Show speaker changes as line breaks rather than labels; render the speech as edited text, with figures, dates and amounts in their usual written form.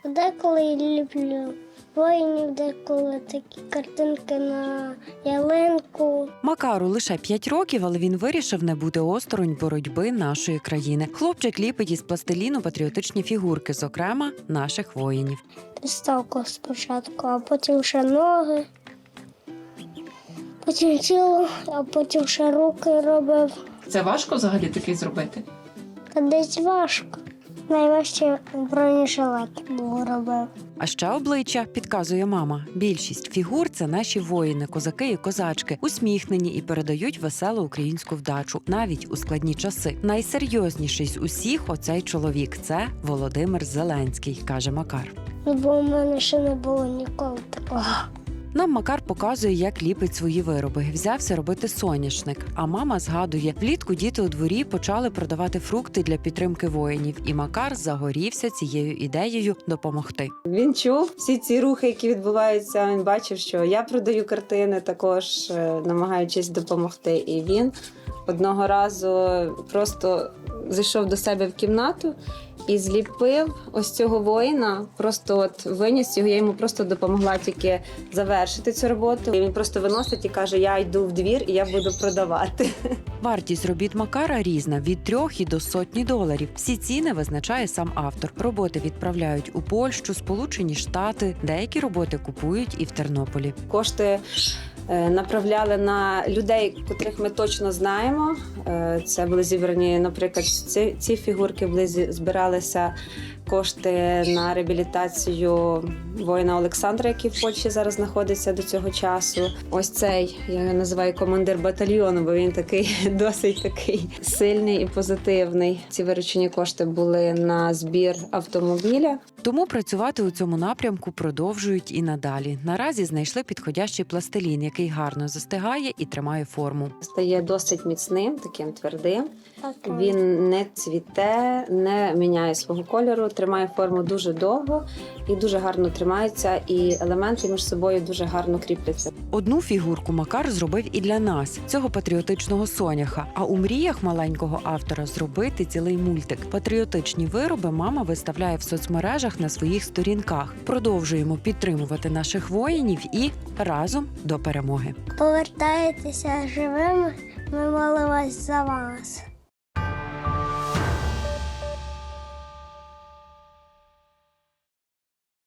Деколи я люблю воїнів, деколи такі картинки на ялинку.
Макару лише 5 років, але він вирішив не бути осторонь боротьби нашої країни. Хлопчик ліпить із пластиліну патріотичні фігурки, зокрема, наших воїнів.
Підставку спочатку, а потім ще ноги, потім тіло, а потім ще руки робив.
Це важко взагалі такий зробити?
Та десь важко. Найважче бронежилет був робив.
А ще обличчя, підказує мама. Більшість фігур – це наші воїни, козаки і козачки, усміхнені і передають веселу українську вдачу, навіть у складні часи. Найсерйозніший з усіх оцей чоловік – це Володимир Зеленський, каже Макар.
Бо в мене ще не було ніколи такого.
Нам Макар показує, як ліпить свої вироби. Взявся робити соняшник. А мама згадує, влітку діти у дворі почали продавати фрукти для підтримки воїнів. І Макар загорівся цією ідеєю допомогти.
Він чув всі ці рухи, які відбуваються. Він бачив, що я продаю картини, також намагаючись допомогти. І він одного разу просто зайшов до себе в кімнату і зліпив ось цього воїна, просто от виніс його, я йому просто допомогла тільки завершити цю роботу. І він просто виносить і каже, я йду в двір і я буду продавати.
Вартість робіт Макара різна – від 3 і до $100. Всі ціни визначає сам автор. Роботи відправляють у Польщу, Сполучені Штати. Деякі роботи купують і в Тернополі.
Кошти направляли на людей, котрих ми точно знаємо. Це були зібрані, наприклад, ці фігурки були збиралися кошти на реабілітацію воїна Олександра, який в Польщі зараз знаходиться до цього часу. Ось цей, я його називаю командир батальйону, бо він такий досить такий сильний і позитивний. Ці виручені кошти були на збір автомобіля.
Тому працювати у цьому напрямку продовжують і надалі. Наразі знайшли підходящий пластилін, який гарно застигає і тримає форму.
Стає досить міцним, таким твердим. Він не цвіте, не міняє свого кольору, тримає форму дуже довго і дуже гарно тримається, і елементи між собою дуже гарно кріпляться.
Одну фігурку Макар зробив і для нас – цього патріотичного соняха. А у мріях маленького автора зробити цілий мультик. Патріотичні вироби мама виставляє в соцмережах на своїх сторінках. Продовжуємо підтримувати наших воїнів і разом до перемоги.
Повертаєтеся живими, ми молимось за вас.